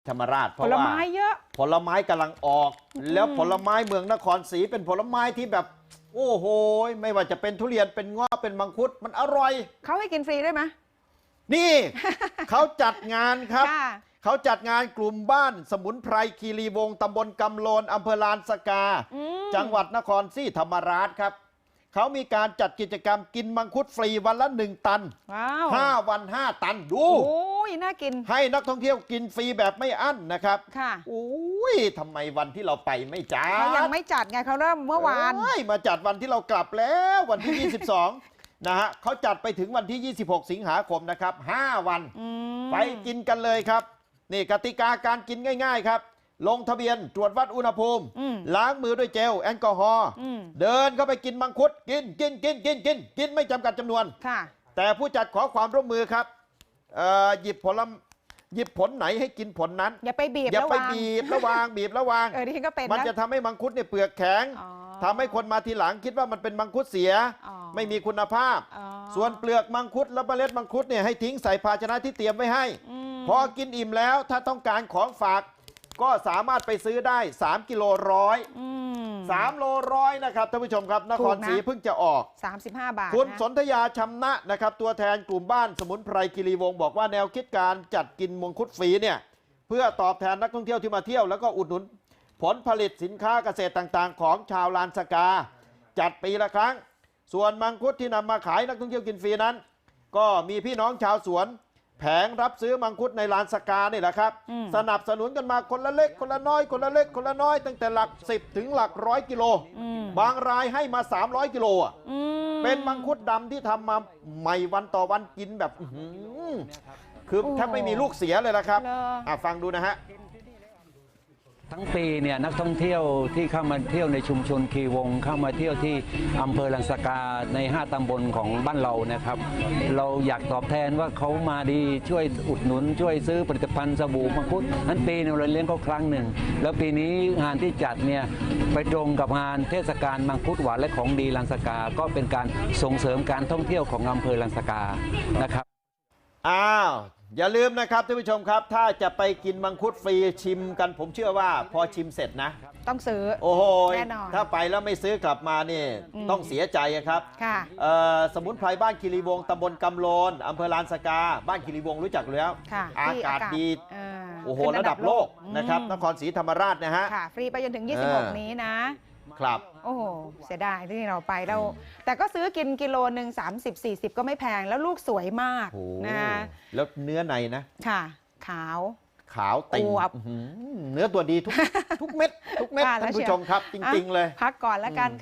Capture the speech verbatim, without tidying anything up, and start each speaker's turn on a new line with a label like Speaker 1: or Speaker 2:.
Speaker 1: ธรรมราชเพ
Speaker 2: ผ
Speaker 1: ราะ
Speaker 2: ล
Speaker 1: ว่า
Speaker 2: ไม้เยอะ
Speaker 1: ผลไม้กำลังออก แล้วผลไม้เมืองนครศรีเป็นผลไม้ที่แบบ โอ้โหไม่ว่าจะเป็นทุเรียนเป็นเงาะเป็นมังคุดมันอร่อย
Speaker 2: เขาให้กินฟรีได้ไหม
Speaker 1: นี่ เขาจัดงานครับ
Speaker 2: ค่ะ
Speaker 1: เขาจัดงานกลุ่มบ้านสมุนไพรคีรีวงศ์ตำบลกำโลนอำเภอลานสกา
Speaker 2: อืม
Speaker 1: จังหวัดนครศรีธรรมราชครับเขามีการจัดกิจกรรมกินมังคุดฟรีวันละหนึ่งตัน
Speaker 2: ว้าว
Speaker 1: ห้าวันห้าตันดู
Speaker 2: โอ้ยน่ากิน
Speaker 1: ให้นักท่องเที่ยวกินฟรีแบบไม่อั้นนะครับ
Speaker 2: ค่ะ
Speaker 1: โอ้ยทำไมวันที่เราไปไม่จัด
Speaker 2: เขายังไม่จัดไงเขาเริ่มเมื่อวาน
Speaker 1: เอ้ยมาจัดวันที่เรากลับแล้ววันที่ ยี่สิบสอง นะฮะเขาจัดไปถึงวันที่ ยี่สิบหก สิงหาคมนะครับห้าวัน
Speaker 2: อืม
Speaker 1: ไปกินกันเลยครับนี่กติกาการกินง่ายๆครับ ลงทะเบียนตรวจวัดอุณหภูมิ
Speaker 2: อืม
Speaker 1: ล้างมือด้วยเจลแอลกอฮอล์
Speaker 2: อืม
Speaker 1: เดินเข้าไปกินมังคุดกินกินกินกินกินกินไม่จำกัดจำนวน
Speaker 2: ค่ะ
Speaker 1: แต่ผู้จัดขอความร่วมมือครับเอ่อหยิบผลหยิบผลไหนให้กินผลนั้น
Speaker 2: อย่าไปบีบ
Speaker 1: อย่า
Speaker 2: ระ
Speaker 1: ไป
Speaker 2: วัง
Speaker 1: บีบระวางบีบระวาง
Speaker 2: เออที่ฉันก็เป็น
Speaker 1: มัน
Speaker 2: นะ
Speaker 1: จะทำให้มังคุดเนี่ยเปลือกแข็ง
Speaker 2: อ๋อ
Speaker 1: ทำให้คนมาทีหลังคิดว่ามันเป็นมังคุดเสีย
Speaker 2: อ๋อ
Speaker 1: ไม่มีคุณภาพ
Speaker 2: อ๋อ
Speaker 1: ส่วนเปลือกมังคุดและเมล็ดมังคุดเนี่ยให้ทิ้งใส่ภาชนะที่เตรียมไว้ให้
Speaker 2: อืม
Speaker 1: พอกินอิ่มแล้วถ้าต้องการของฝาก ก็สามารถไปซื้อได้สามกิโลร้อย
Speaker 2: อืม
Speaker 1: สามโลร้อยนะครับท่านผู้ชมครับนครศรี
Speaker 2: ถูกนะ
Speaker 1: เพิ่งจะออก
Speaker 2: สามสิบห้าบาท
Speaker 1: คุณ
Speaker 2: นะ
Speaker 1: สนธยาชำนะนะครับตัวแทนกลุ่มบ้านสมุนไพรคีรีวงศ์บอกว่าแนวคิดการจัดกินมังคุดฟรีเนี่ยเพื่อตอบแทนนักท่องเที่ยวที่มาเที่ยวแล้วก็อุดหนุนผลผลิตสินค้าเกษตรต่างๆ ของชาวลานสกา จัดปีละครั้ง ส่วนมังคุดที่นำมาขายนักท่องเที่ยวกินฟรีนั้น ก็มีพี่น้องชาวสวน แผงรับซื้อมังคุดในลานสกานี่แหละครับ
Speaker 2: อืม
Speaker 1: สนับสนุนกันมาคนละเล็กคนละน้อยคนละเล็กคนละน้อยตั้งแต่หลักสิบถึงหลักร้อยกิโล
Speaker 2: อืม
Speaker 1: บางรายให้มาสามร้อยกิโลอ่ะ
Speaker 2: อืม
Speaker 1: เป็นมังคุดดำที่ทำมาใหม่วันต่อวันกินแบบอื้อหือคือแทบไม่มีลูกเสียเลยนะครับ
Speaker 2: เหรอ
Speaker 1: อ่ะฟังดูนะฮะ
Speaker 3: ทั้งปีเนี่ยนักท่องเที่ยวที่เข้ามาเที่ยวในชุมชนคีวงเข้ามาเที่ยวที่อำเภอลังสกาในห้าตำบลของบ้านเรานะครับ เราอยากตอบแทนว่าเขามาดีช่วยอุดหนุน ช่วยซื้อผลิตภัณฑ์สบู่มังคุดนั้นปีหนึงเราเลี้ยงเขาครั้งหนึ่งแล้วปีนี้งานที่จัดเนี่ยไปตรงกับงานเทศกาลมังคุดหวานและของดีลังสกาก็เป็นการส่งเสริมการท่องเที่ยวของอำเภอลังสกานะครับ
Speaker 1: อ้าว อย่าลืมนะครับท่านผู้ชมครับ ถ้าจะไปกินมังคุดฟรีชิมกันผมเชื่อว่าพอชิมเสร็จนะ
Speaker 2: ต้องซื้อ
Speaker 1: โอ้โห
Speaker 2: แน่นอน
Speaker 1: ถ้าไปแล้วไม่ซื้อกลับมานี่
Speaker 2: อืม
Speaker 1: ต้องเสียใจอะครับ
Speaker 2: ค่ะ
Speaker 1: เอ่อสมุนไพรบ้านคีรีวงศ์ตำบลกำโลนอำเภอลานสกา บ้านคีรีวงศ์รู้จักอยู่แล้ว
Speaker 2: ค่ะ
Speaker 1: อา
Speaker 2: ที่
Speaker 1: กาศดี
Speaker 2: อ่า
Speaker 1: โอ้โห
Speaker 2: ขึ้น
Speaker 1: ระดับโลกนะครับ
Speaker 2: อืม
Speaker 1: นครศรีธรรมราชนะฮะ
Speaker 2: ค่ะ ฟรีไปจนถึง
Speaker 1: เออ
Speaker 2: ยี่สิบหก นี้นะ
Speaker 1: ครับ
Speaker 2: โอ้โห เสียดายที่เราไปแล้ว แต่ก็ซื้อกินกิโลหนึ่งสามสิบสี่สิบก็ไม่แพงแล้วลูกสวยมาก
Speaker 1: โอ้
Speaker 2: นะ
Speaker 1: แล้วเนื้อในนะ
Speaker 2: ค่ะ ขาว
Speaker 1: ขาวติ่ง
Speaker 2: อวบ
Speaker 1: อื้อหือเนื้อตัวดีทุก ทุกเม็ด ทุกเม็ด
Speaker 2: ว่าแล้ว
Speaker 1: ท่านผู้
Speaker 2: เชียว
Speaker 1: ชมครับ จริง ๆ เลย
Speaker 2: พักก่อนแล้วกัน